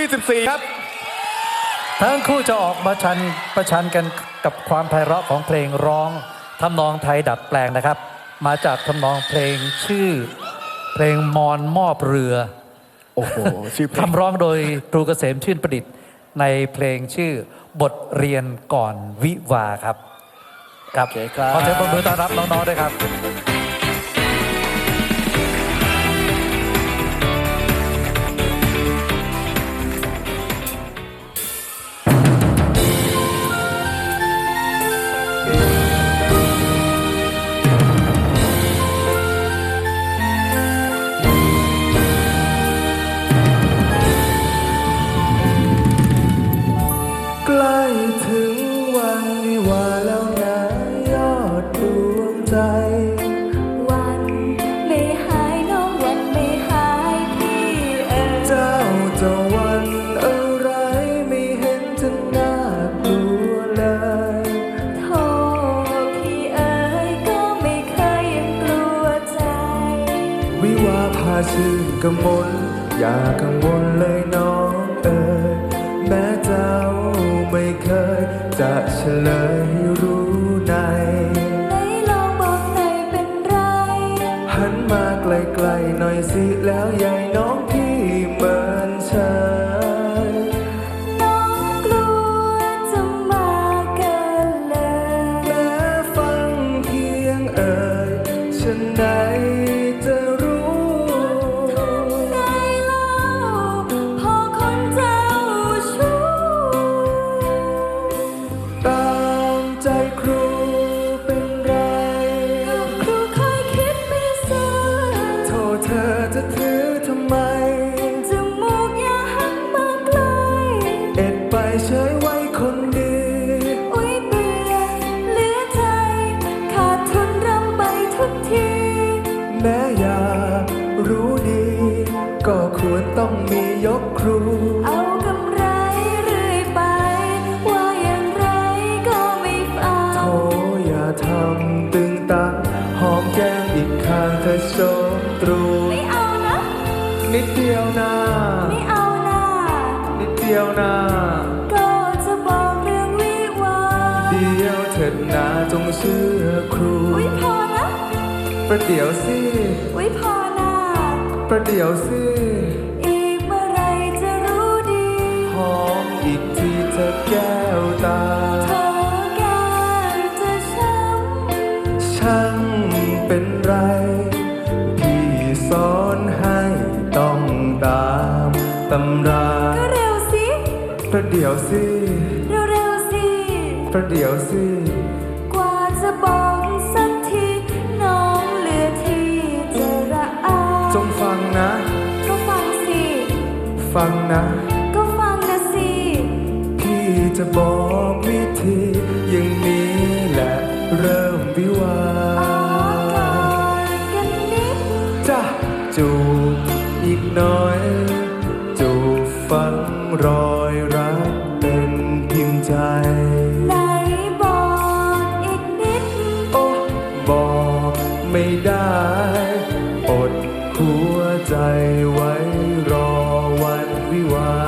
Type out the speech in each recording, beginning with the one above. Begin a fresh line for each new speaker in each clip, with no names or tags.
24 ครับ
ทั้งคู่จะออกมาประชันกันกับความไพเราะของเพลงร้องทำนองไทยดัดแปลงนะครับมาจากทำนองเพลงชื่อเพลงมอนมอบเรือ
โอ้โหชื่อเพลง
คำร้องโดยครูเกษมชื่นประดิษฐ์ในเพลงชื่อบทเรียนก่อนวิวาครับครับขอเสียงปรบมือต้อนรับน้องๆด้วยครับ
ใกล้ถึงวันวิวาแล้วนะยอดดวงใจ
วันไม่หายน้องวันไม่หายพี่
เจ้าจะวันอะไรไม่เห็นจะน่ากลัวเลย
โทษพี่ก็ไม่เคยยังกลัวใจ
วิวาพาชื่นกมลอย่ากังวลเลยน้องแม้เจ้าไม่เคยจะเฉลยให้รู้ใน
ไหนลองบอกหน่อยเป็นไร
หันมาไกลๆหน่อยสิแล้วยายน้องพี่เหมือนเชย
น้องกลัวจะมาเกินเลย
แม้ฟังเพียงฉันไหนจะรู้
ทำไงเล่าพอคนเจ้าชู้
ตามใจครูเป็นไร
ก็ครูเคยคิดไม่ซื่อ
โทษเธอจะถือทำไม
จมูกอย่าหันมาไกล
เอ็ดไปเฉยไว้คนดี
อุ๊ยเบื่อเหลือใจขาดทุนรำไปทุกที
แม้อยากรู้ดีก็ควรต้องมียกครู
เอากำไรเรื่อยไปว่าอย่างไรก็ไม่ฟัง
โธ่อย่าทำตึงตังหอมแก้มอีกข้างเธอโชมตรู
ไม่เอานะ
นิดเดียวนะ
ไม่เอานะ
นิดเดียวนะ
ก็จะบอกเรื่องวิวา
เดียวเถิดนะจงเชื่อครู
อุ๊ยพอนะ
ประเดี๋ยวสิ
อุ๊ยพอนะ
ประเดี๋ยวสิ
อีกเมื่อไรจะรู้ดี
หอมอีกทีเธอแก้วตา
เธอแก้มจะช้ำ
ช่างเป็นไรพี่สอนให้ต้องตามตำรา
ก็เร็วสิ
ประเดี๋ยวสิ
เร็วๆสิ
ประเดี๋ยวสิ
กว่าจะบอกสักทีน้องเหลือที่จะระอา
จงฟังนะ
ก็ฟังสิ
ฟังนะ
ก็ฟังนะสิ
พี่จะบอกวิธีอย่างนี้แหละเริ่มวิวา
กันนิด
จ้ะจูบอีกหน่อยจูบฝังรอยรักเป็นพิมพ์ใจ
ไหนบอกอีกนิด
โอ้บอกไม่ได้อดหัวใจไว้รอวันวิวา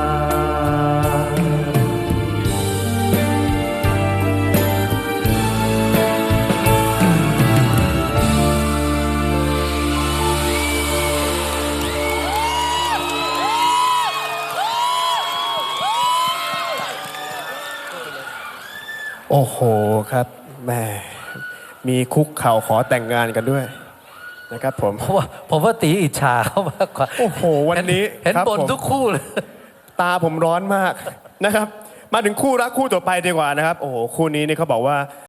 โอ้โหครับแม่มีคุกเข่าขอแต่งงานกันด้วยนะครับ
ผมว่าตีอิจฉาเขามากกว่า
โอ้โหวันนี้
เห็นบ่นทุกคู่เลย
ตาผมร้อนมากนะครับมาถึงคู่รักคู่ต่อไปดีกว่านะครับโอ้โหคู่นี้นี่เขาบอกว่า